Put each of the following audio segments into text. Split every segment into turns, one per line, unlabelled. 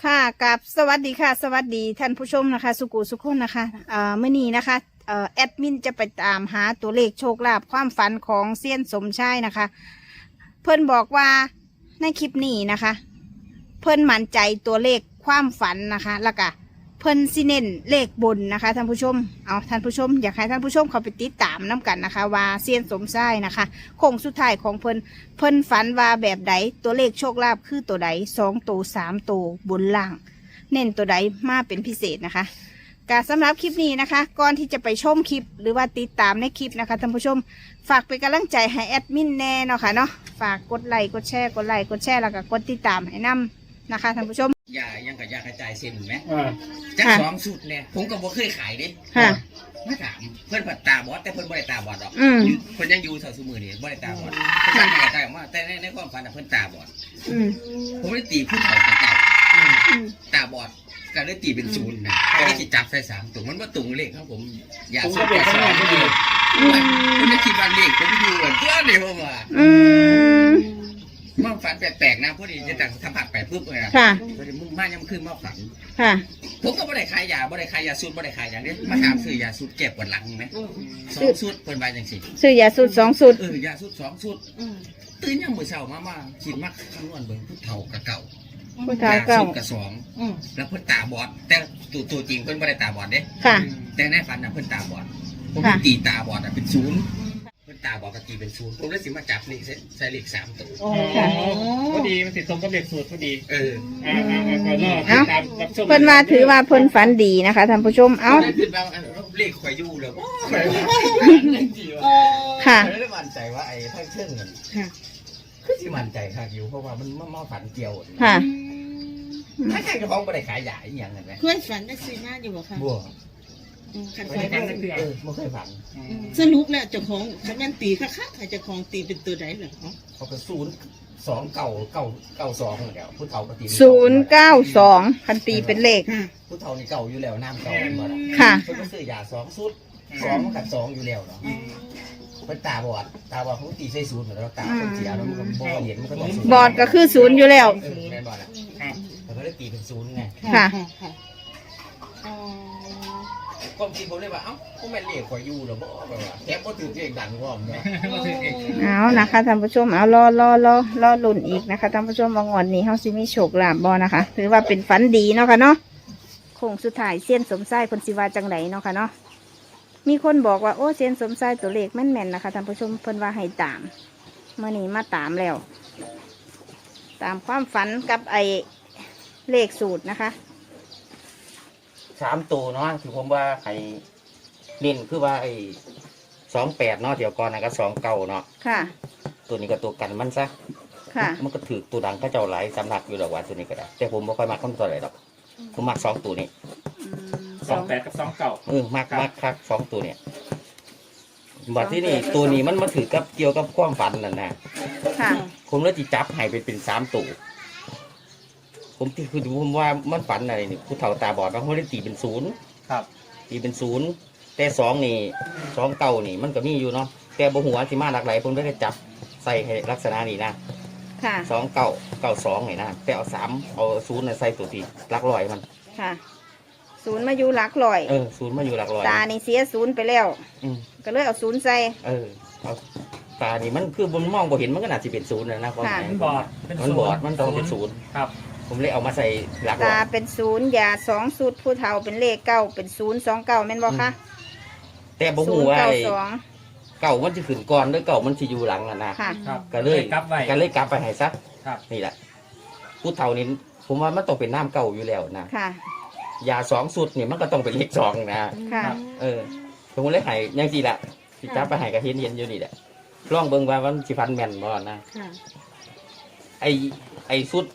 ค่ะกับสวัสดีค่ะสวัสดีท่านผู้ชมนะคะสุกุสุขคนนะคะเมื่อนี้นะคะแอดมินจะไปตามหาตัวเลขโชคลาภความฝันของเซียนสมชายนะคะเพิ่นบอกว่าในคลิปนี้นะคะ เพิ่นมั่นใจตัวเลขความฝันนะคะแล้วก็เพิ่นสิเน้นเลขบนนะคะท่านผู้ชมเอาท่านผู้ชมอยากให้ท่านผู้ชมเขาไปติดตามน้กันนะคะว่าเซียนสมชายนะคะโค้งสุดท้ายของเพิ่นฝันว่าแบบใดตัวเลขโชคลาภคือตัวใด2 ตัว 3 ตัวบนล่าง เน้นตัวใดมาเป็นพิเศษนะคะการสำหรับคลิปนี้นะคะก่อนที่จะไปชมคลิปหรือว่าติดตามในคลิปนะคะท่านผู้ชมฝากเป็นกำลังใจให้แอดมินแน่เนาะค่ะเนาะฝากกดไลค์กดแชร์แล้วก็กดติดตามให้นำนะคะท่านผู้ชม
ยายังกับยากระจายเส้นไหม
จั
จั
ก
ก2 สูตรเนี่ยผมก็บ่เคยขายเด้
ค่ะ
ไม่ถามเพิ่นผัดตาบอดแต่เพิ่นบ่ได้ตาบอดหรอก เพิ่นยังอยู่เท่าซุมื้อนี่บ่ได้ตาบอดเพิ่นตั้งใจมาแต่ในความฝันน่ะเพิ่นตาบอดผมเลยตีผู้เฒ่าเก่าตาบอดก็เลยตีเป็น0นะก็เลยสิจับใส่3ตัวมันบ่ตรงเลขครับผมอยากสูตร2บ่ดีผมเลยคิดว่าเลขผมอยู่เหมือนเพื่อนนี่ผมว่ามันฝันแปลกๆนะพอดีจะตั้งสัมผัสไปปุ๊บเลยนะพอดีมึงมายังขึ้นมาฝันผมก็บ่ได้ขายยาสูตรบ่ได้ขายอย่างนี้มาถามซื้อยาสูตรเก็บปวดหลังไหม2 สูตรเพิ่นว่าจังซี่
ซื้อยาสูตร2 สูตร
ยาสูตร2 สูตรตื่นยังมื้อเช้ามาคิดมักคำนวณเบิ่งผู้เฒ่ากับเก่า
ผู้เฒ่าเก่า
กับ2แล้วเพิ่นตาบอดแต่ตัวจริงเพิ่นบ่ได้ตาบอดเด้แต่ในฝันน่ะเพิ่นตาบอดผมตีตาบอดเป็น0เพิ่นตาบอดก็ตีเป็น0ผมเลยสิมาจับเลขใส่เลข3ตัว
พอดีมันติดตรงกับเลขสูตรพอดี
เพิ่นว่าถือว่าเพิ่นฝันดีนะคะท่านผู้ชม
เลขข่อยอยู่แล้ว
ค่ะ
ได้มั่นใจว่าไอ้ทั้งเชิงเงินคือสิมั่นใจค่ะอยู่เพราะว่ามันมาฝันเกี่ยว
ค่ะ
ถ้าใครก็ฟ้องบ่ได้ขายยาอีหยังนั่นแหละ
เพื่อนฝันได้ซื้อมาอยู่บ่คะ
บ่
ขันไฟ
บ่เคยฝัน
สรุปแล้วเจ้าของคันแม่นตีคักๆให้เจ้าของตีเป็นตัวใดเหรอ
เขาก็02992แล้วผู้เฒ่าก็ตี
092คันตีเป็นเลข
ผู้เฒ่านี่เก่าอยู่แล้วน้ำเก่าบ่ล่ะ
ค่ะ
เพิ่นก็ซื้อยา2 สูตร2มันกับ2อยู่แล้วเนาะเป็นตาบอดเขาตีใส่0เหมือนเราตาคนเสียแล้วมันก็บ่เห็นมันก็ต้อง
บอดก็คือ0อยู่แล้ว
แม่นบ่ล่ะแล้วก็เลยตีเป็น0ไง
ค่ะ
ความคิดผมเลยว่าเอ้าก็แม่นเลขข่อยอยู่แล้วบ่แบบว่าแค่บ่ถือเลขดังพร้อมเนาะ
เอานะคะท่านผู้ชมเอารอลุ้นอีกนะคะท่านผู้ชมว่างวดนี้เฮาสิมีโชคลาภบ่นะคะถือว่าเป็นฝันดีเนาะค่ะเนาะโค้งสุดท้ายเซียนสมชายเพิ่นสิว่าจังไดเนาะค่ะเนาะมีคนบอกว่าโอ้เซียนสมชายตัวเลขแม่นๆนะคะท่านผู้ชมเพิ่นว่าให้ตามเมื่อนี้มาตามแล้วตามความฝันกับไอ้เลขสูตรนะคะ
3 ตัวเนาะคือผมว่าให้เน้นคือว่าไอ้28เนาะเดี๋ยวก่อนนะก็29เนาะ
ค่ะ
ตัวนี้ก็ตัวกันมันซะ
ค่ะ
มันก็ถือตัวดังเขาเจ้าหลายสำนักอยู่ดอกว่าตัวนี้ก็ได้แต่ผมบ่ค่อยมักคำตัวไหนดอกผมมัก2ตัวนี้
28กับ29
มักคัก2ตัวเนี่ยบัดที่นี่ตัวนี้มันมาถือกับเกี่ยวกับความฝันนั่นนะ
ค่ะ
ผมเลยจิจับให้เป็น3 ตัวผมคือผมว่ามันฝันอะไรนี่ผู้เฒ่าตาบอดบางคนได้ตีเป็น0
ครับ
ตีเป็น0แต่2นี่2 เก่านี่มันก็มีอยู่เนาะแต่บ่หัวสิมาหลากหลายผมได้จับใส่ให้ลักษณะนี้นะ
ค่ะ
2 เก่า2นี่นะแต่เอา3เอา0น่ะใส่ตัวที่หลักร้อยมัน
ค่ะ0มาอยู่หลักร้อย
0มาอยู่หลักร้อย
ตานี่เสีย0ไปแล้วก็เลยเอา0ใส่
เอาตานี่มันคือบนมองบ่เห็นมันก็น่าสิเป็น0นะความหมาย
บอด
มันต้องเป็น0
ครับ
ผมเลยเอามาใส่หลัก
ตาเป็น0ยา2 สูตรผู้เฒ่าเป็นเลข9เป็น029แม่นบ่คะ
แต่บ่ฮู้ว่าเก่ามันสิขึ้นก่อนหรือเก่ามันสิอยู่หลังน่ะนะก็เลยกลับไปให้ซะนี่แหละผู้เฒ่านี่ผมว่ามันต้องเป็นน้ำเก่าอยู่แล้วนะ
ค่ะ
ยา2 สูตรนี่มันก็ต้องเป็นเลข2นะ
ค่ะ
ผมเลยให้จังซี่ล่ะสิจับไปให้ก็เห็นอยู่นี่แหละลองเบิ่งว่ามันสิฟันแม่นบ่นะไอ้สูตร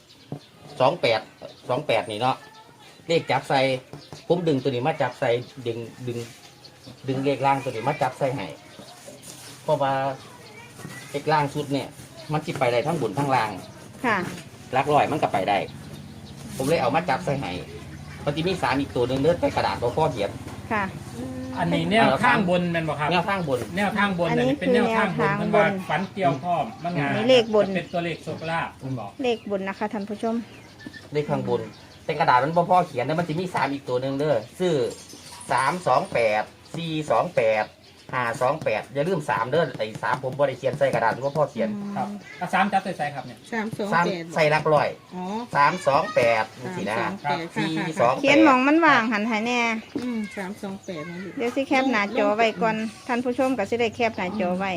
28นี่เนาะเลขจับใส่ผมดึงตัวนี้มาจับใส่ดึงเลขล่างตัวนี้มาจับใส่ให้เพราะว่าเลขล่างสุดเนี่ยมันสิไปได้ทั้งบนทั้งล่าง
ค่ะ
หลักร้อยมันก็ไปได้ผมเลยเอามาจับใส่ให้ปฏิมี3อีกตัวนึงเลือดไปกระดาษพ่อเขียน
ค่ะ
อันนี้แนวทางบนมันบอกครับ
แนวทางบน
อันนี้เป็นแนวทางบนมันว่าฝันเกี่ยวข้อมมันงาน
เลขบน
เป็นตัวเลขโชคลาภคุณบอก
เลขบนนะคะท่านผู้ชม
เลขข้างบนแต่แต่กระดาษมันบ่พอเขียนนะมันจะมี3อีกตัวหนึ่งเด้อซื้อ328 428 528อย่าลืม3เด้อไอ้3ผมบ่ได้เขียนใส่กระดาษบ่พอเขียน
ครับอ่ะสามจับใส่ครับเนี่ย
3ใส่หลักร้อย
อ๋อ
328จังซี่นะ
328
428
เขียนหมองมันว่างหันให้แน่
328นั่นลูก
เดี๋ยวสิแคปหน้าจอไว้ก่อนท่านผู้ชมก็สิได้แคปหน้าจอไว้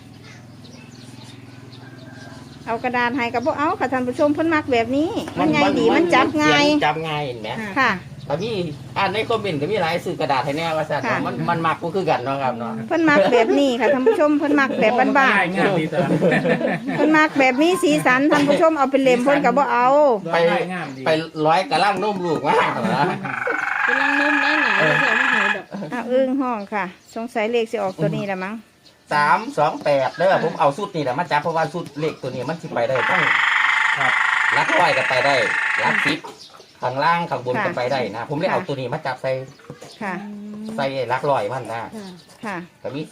เอากระดาษให้กับพวกเอาค่ะท่านผู้ชมเพิ่นมักแบบนี้ มันง่ายดีมันจับง่าย
จับง่ายเห็นไหม
ค่ะ
ก็มีอ่านในคอมเมนต์ก็มีหลายซื้อกระดาษให้แน่ว่าซั่น
ค่ะ
มันมักบ่คือกันเนาะครับเนาะ
เพิ่นมักแบบนี้ค่ะท่านผู้ชมเพิ่นมักแบบบ้าน
ง่ายง่ายดีแต่
ๆเพิ่นมักแบบมีสีสันท่านผู้ชมเอาเป็นเล่มเพิ่นก็บ่เอา
ไปง่ายงามดี
ไปร้อยกระลังนมลูกมากเหรอ
กำลังนุ่มได้หนาแล้วจะไม่หายแบบ
อ้าวอึ้งห้องค่ะ สงสัยเลขสิออกตัวนี้ละมั้ง
328เด้อผมเอาสุดนี่แหละมาจับเพราะว่าสุดเลขตัวนี้มันสิไปได้ต้อง
ครับ
ลักร้อยก็ไปได้ลัก10ข้างล่างข้างบนก็ไปได้นะ ผมเลยเอาตัวนี้มาจับใส่
ค่ะ
ใส่ลักร้อยมันนะ
ค่ะ
ค่ะ
ก็มี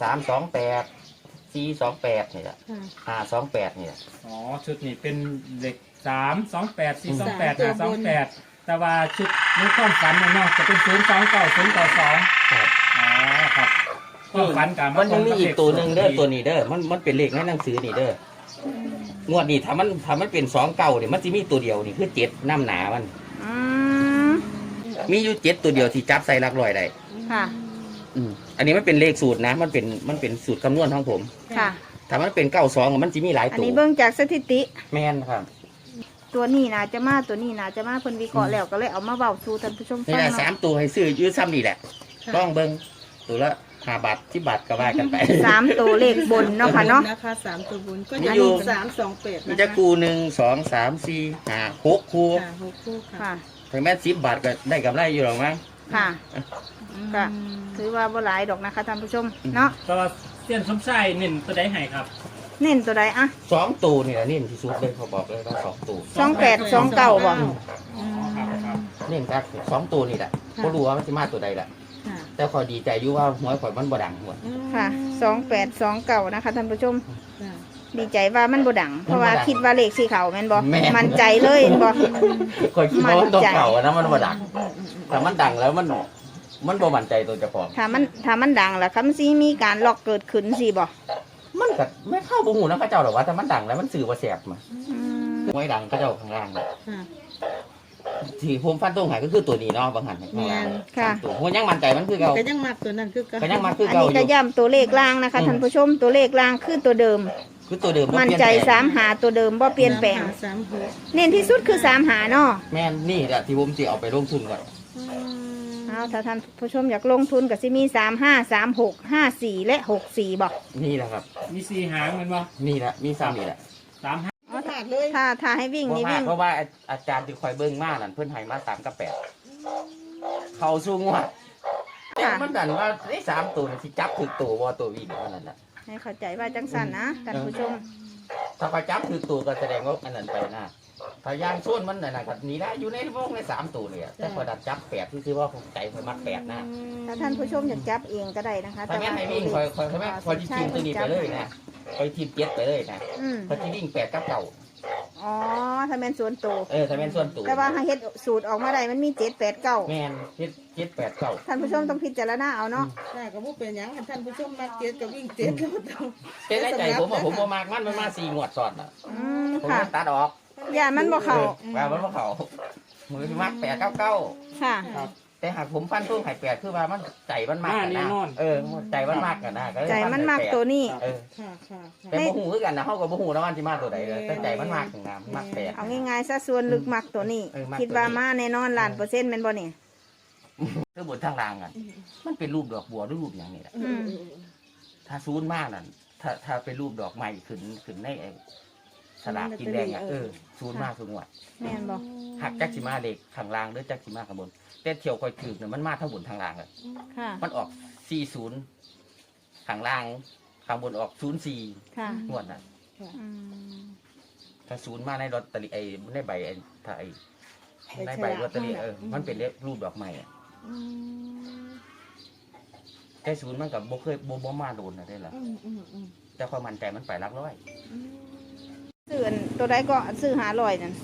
328 428นี่แหละ
ค่ะ
528นี่แหละ
อ๋อชุดนี้เป็นเด็ก328 428 528แต่ว่าชุดนี้ความฝันเนี่ยเนาะจะเป็น029 092
ครับ
อ๋อครับความฝันกับ
มันยังมีอีกตัวหนึ่งเด้อตัวนี้เด้อมันเป็นเลขในหนังสือนี่เด้องวดนี้ถ้ามันเป็น2 เก่าเนี่ยมันจะมีตัวเดียวนี่คือ7น้ำหนามัน
อืม
มีอยู่7ตัวเดียวที่จับใส่ลักร้อยได้
ค่ะ
อันนี้มันเป็นเลขสูตรนะ มันเป็นสูตรคำนวณของผม
ค่ะ
ถ้ามันเป็น92มันจะมีหลาย
อัน
ตัว
นี้เบิ่งจากสถิติ
แม่นครับ
ตัวนี้น่าจะมาตัวนี้น่าจะมาเพิ่นวิเคราะห์แล้วก็เลยเอามาเว้าสู่ท่านผู้ชม
นี่
ฟัง
แหละ
เนาะ
3ตัวให้ซื้อยืดซ้ำนี่แหละต้องเบิ่งตัวละ5 บาท10 บาทก็ว่ากันไป
3ตัวเลขบนเนาะค่ะเนาะ
นะคะ3ตัวบนก็
มี
จะ
อยู่
มี328
มี
นะ
จะ
คะ
กู1 2 3 4 5 6คู่
ค่ะ6คู่ค่ะ
ค่ะ
ถึงแม้10 บาทก็ได้กำไรอยู่หรอกมั้ง
ค่ะ ค่ะ ถือว่าบ่หลายดอกนะคะท่านผู้ชม เนาะ
ก็เสี้ยนสมชายเน้นตัวใดให้ครับ
เน้นตัวใดอะ
2ตัวนี่แหละนี่ที่สุดเลยเขาบอกเลยว่า2ตัว
28 29บ่
อ๋อครับครับ
นี่ครับ2ตัวนี่แหละก็รู้ว่ามันสิมาตัวใดแหละ
ค่ะ
แต่ขอยดีใจอยู่ว่าหวยข่อยมันบ่ดังหัว
ค่ะ2829นะคะท่านผู้ชม
ค่ะ
ดีใจว่ามันบ่ดัง เพราะว่า
มันบ่ดัง
คิดว่าเลขสีเขาแม่นบ่
แม่น
มั่นใจเลยเห็นบ่
ข่อยคิดว่ามันตัว
มั่นใจ
เก่าอะนะมันบ่ดังแต่มันดังแล้วมันบ่มั่นใจตัวเจ้าของ
ถ้ามันดังล่ะคำสิมีการล็อกเกิดขึ้นสิบ่
มันก็ไม่เข้าบ่ฮู้นะเขาเจ้าหรอกว่าแต่มันดังแล้วมันสื่อว่าแสบมา
อืม
หวยดังเขาเจ้าข้างล่างน่ะ
ค่ะ
ที่ผมฟันตรงหายก็คือตัวนี้เนาะบางหันข้างล่าง
ค่ะ
สามตัวผมยังมั่นใจมันคือเก่า
ก็ยังมักตัวนั้นคือกัน
ก็ยังมาคือ
อัน
เก่า
นี้
อ
ก็
ยู่
ย้ำตัวเลขล่างนะคะท่านผู้ชมตัวเลขล่างคือตัวเดิม
คือตัวเดิมบ่
มั่น
เปลี่ย
ใจ
แปลง
สามหาตัวเดิมบ่เปลี่ยนแปลง
36
เน้นที่สุดคือ3หาเนาะ
แม่นนี่แหละที่ผมสิเอาไปลงทุนก่อน
เอาถ้าท่านผู้ชมอยากลงทุนก็สิมี35 36 54และ64บ่
นี่แหละครับ
มี4หางแมันบ่
นี่แหละมีซ้ำนี่แหละ
3หาง
อ๋อถาดเลย
ถ้าให้วิ่ง
บ่
นี่
มาก
วิ่ง
เพราะว่าอาจารย์ที่คอยเบิ่งมานั่นเพิ่นให้มา3กับ8เข้าสู้งวดแต่
ค่ะ
มันดันว่าได้3ตัวนี่สิจับถึกตัวบ่ตัววิ่งอันนั้นน่ะ
ให้เข้าใจว่าจังสันนะท่านผู้ชม
ถ้าเขาจับถึกตัวก็แสดงว่าอันนั้นไปนะถ้ายางส่วนมันน่ะนะก็นี่นะอยู่ในวงใน3ตัวเลยอะแต่พอดันจับ8คือว่าผมใจคอยมัก8นะ
ถ้าท่านผู้ชมอยากจับเองก็ได้นะคะ
ถ้างั้นให้วิ่งคอยแม่คอยทีมตัวนี้ไปเลยนะคอยทีม7ไปเลยนะ
อืม
คอยที่วิ่ง8กับเก่า
อ๋อถ้าเป็นส่วนตัว
ถ้าแม่นส่วนตัว
แต่ว่าถ้าเฮ็ดสูตรออกมาได้มันมี7 8 9
แม่น7 8เก่า
ท่านผู้ชมต้องพิจารณาเอาเนาะ
ใช่ก็บ่เป็นหยังท่านผู้ชมมักเจ็ดกับวิ่งเจ็ดก็ต้อง
แต่ในใจผมว่าผมบ่มากมันมา4งวดซ้อนน่ะ
อืม
ผม
ค่ะ
เลยตัดออก
อย่ามันบ่เข้า
ว่ามันบ่เข้ามือมัก8 9 9
ค่ะ
แต่หากผมฟันตู้ไข่8คือว่ามันใจมันมากกันนะใจมันมากกันนะก็เลย
ใจ
ฟั
มันมาก
8
ตัวนี้
เออ
ค่ะค่ะ
แต่บ่ฮู้คือกันนะเฮาก็บ่ฮู้นะว่าสิมาตัวใดเลยแต่ใจมันมากถึงนะมาก8
เอาง่ายๆซะส่วนลึกมักตัวนี้
มักตัวนี้
คิดว่ามาแน่นอนล้านเปอร์เซ็นต์แม่นบ่เนี่ย
คือบนทางล่างกันมันเป็นรูปดอกบัวหรือรูปหยังนี่แหละ
อืม
ถ้าซูนมากนั่นถ้าเป็นรูปดอกไม้ขึ้นในไอ้สลากกินแดงอ่ะซูนมากสูงกว่า
แม่นบ่
หักจักสิมาเล็กข้างล่างหรือจักสิมาข้างบนแต่เที่ยวคอยถือเนี่ยมันมาทั้งบนทางล่างเลย
ค่ะ
มันออก40ข้างล่างข้างบนออก04
ค่ะ
งวดน่ะ
อืม
ถ้าศูนย์มาในลอตเตอรี่ไอ้ในใบไอ้ถ้าไอ้ในใบลอตเตอรี่มันเป็นรูปดอกไม้อะแต่ศูนย์มันกับบ่เคยบ่มาโดนนะได้ล่ะแต่ความมั่นใจมันไปหลักร้อย
ซื้ออันตัวใดก็ซื้อ500นั่น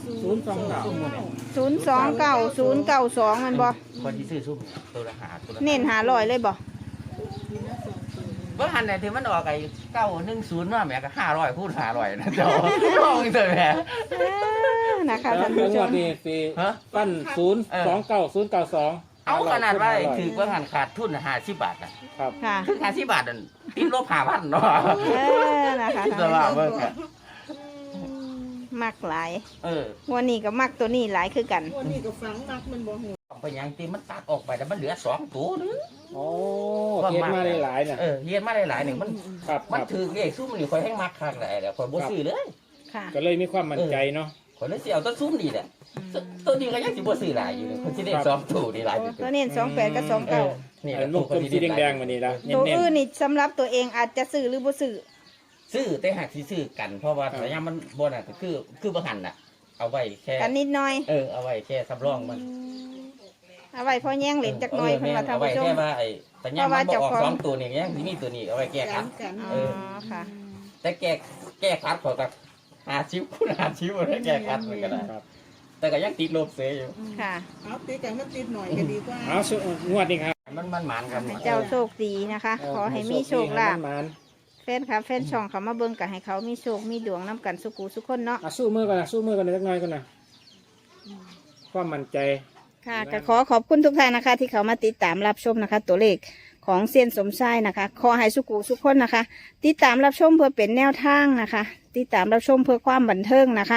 029
มันบ่
คนที่ซื้อซุ่มตัวละหาตัวละ
เน้น500เลยบ่
เมื่อหันไหนที่มันออกไอ้910ว่าแม่ก็500คูณ500นะเจ้าลองเถอะแม่
นะคะ
แล้ว
ท่าน
เรื่
ผู้
อง
ช
ว่าม นี่สิปั้น029 092
เอาขนาดว่าถือว่าหันขาดทุน50 บาทนะครับ
ค่ะ
ถึง50 บาทนั่นติดลบ5,000เนาะ
นะคะ
คิดซะว่าเบิ่งอะ
มักหลาย
ง
วันนี้ก็มักตัวนี้หลายคือกัน
วันนี้ก็ฟังมักมันบ่หู
ไปยังตีมันตัดออกไปแต่มันเหลือ2ตัวนึง
โอ้เก็บมาได้หลายน่ะ
เรียนมาได้หลายหนึ่งมัน
ครับค
มัน
รับ
ถือเลขซุ่มนี่คอยให้มักคักแหละเดี๋ยวคอยบ่ซื้อเลย
ค่ะ
ก็เลยมีความมั่นใจเนาะ
คอยเลยสิเอาต้นซุ่มนี่แหละตัวนี้ก็ยังสิบ่ซื้อหลายอยู่เลยคนสิได้2ตัวนี่หลายอยู่
ตัวนี้28กับ29
นี่
อันลูกกลมสีแดงๆวันนี้ละเน้
ตัวน อื่นนี่สำหรับตัวเองอาจจะซื้อหรือบ่ซื้อ
ซื้อแต่หากสิซื้อกันเพราะว่าระยะมันบ่น่ะก็คือบ่หันน่ะ เอาไว้แค่
กันนิดหน่อย
เอาไว้แค่สำรองมัน
เอาไว้พอแย่งเหรียญจักหน่อยเพิ่นว่าท่าน
เอาไว้
ผู้ชม
แค่ว่าไอ้แต่ยังมันบ่ออก2ตัวนี่ยังสิมีตัวนี้เอาไว้แก้คัด
กัน
อ๋อค่ะ
แต่แก้คัดเขาก็50คูณ50บ่ได้แก้คัดมันก็ได้
ครับ
แต่ก็ยังติดลบเสียอยู่
ค่ะ
เอาตีกันมันติดหน่อยก็ดีกว่า
เอาสุงวดนี้ครับ
มันหมานกัน
ให้เจ้าโชคดีนะคะ ขอให้มีโชคลาภ
ให้มัน
แฟนค่ะแฟนช่องเขามาเบิ่งก็ให้เขามีโชคมีดวงน้ำกันสุกูสุกคนเนาะ
ๆสู้มือกันนะสู้มือกันเล็กน้อยกันนะความมั่นใจ
ค่ะก็ขอขอบคุณทุกท่านนะคะ ที่เขามาติดตามรับชมนะคะ ตัวเลขของเซียนสมชายนะคะ ขอให้สุกูสุกคนนะคะ ติดตามรับชมเพื่อเป็นแนวทางนะคะ ติดตามรับชมเพื่อความบันเทิงนะคะ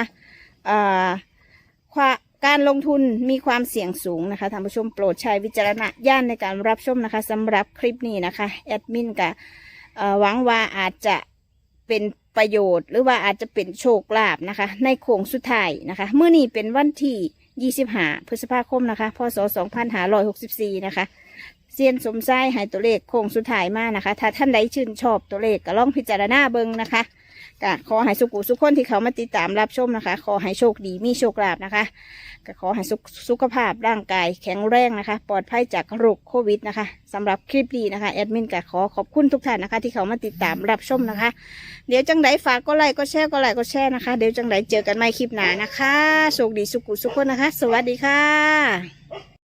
การลงทุนมีความเสี่ยงสูงนะคะท่านผู้ชมโปรดใช้วิจารณญาณในการรับชมนะคะสำหรับคลิปนี้นะคะแอดมินกับหวังว่าอาจจะเป็นประโยชน์ หรือว่าอาจจะเป็นโชคลาภนะคะ ในโค้งสุดท้ายนะคะเมื่อนี้เป็นวันที่25 พฤษภาคมนะคะพศ 2564นะคะเซียนสมชายให้ตัวเลขโค้งสุดท้ายมานะคะ ถ้าท่านใดชื่นชอบตัวเลขก็ลองพิจารณาเบิ่งนะคะก็ขอให้สุขุสุขคนที่เขามาติดตามรับชมนะคะ ขอให้โชคดีมีโชคลาภนะคะก็ขอให้สุขภาพร่างกายแข็งแรงนะคะ ปลอดภัยจากโรคโควิดนะคะสำหรับคลิปนี้นะคะแอดมินก็ขอขอบคุณทุกท่านนะคะ ที่เขามาติดตามรับชมนะคะ เดี๋ยวจังไดฝากก็ไลค์ก็แชร์ก็ไลค์ก็แชร์นะคะ เดี๋ยวจังไดเจอกันใหม่คลิปหน้านะคะโชคดีสุขุสุขคนนะคะ สวัสดีค่ะ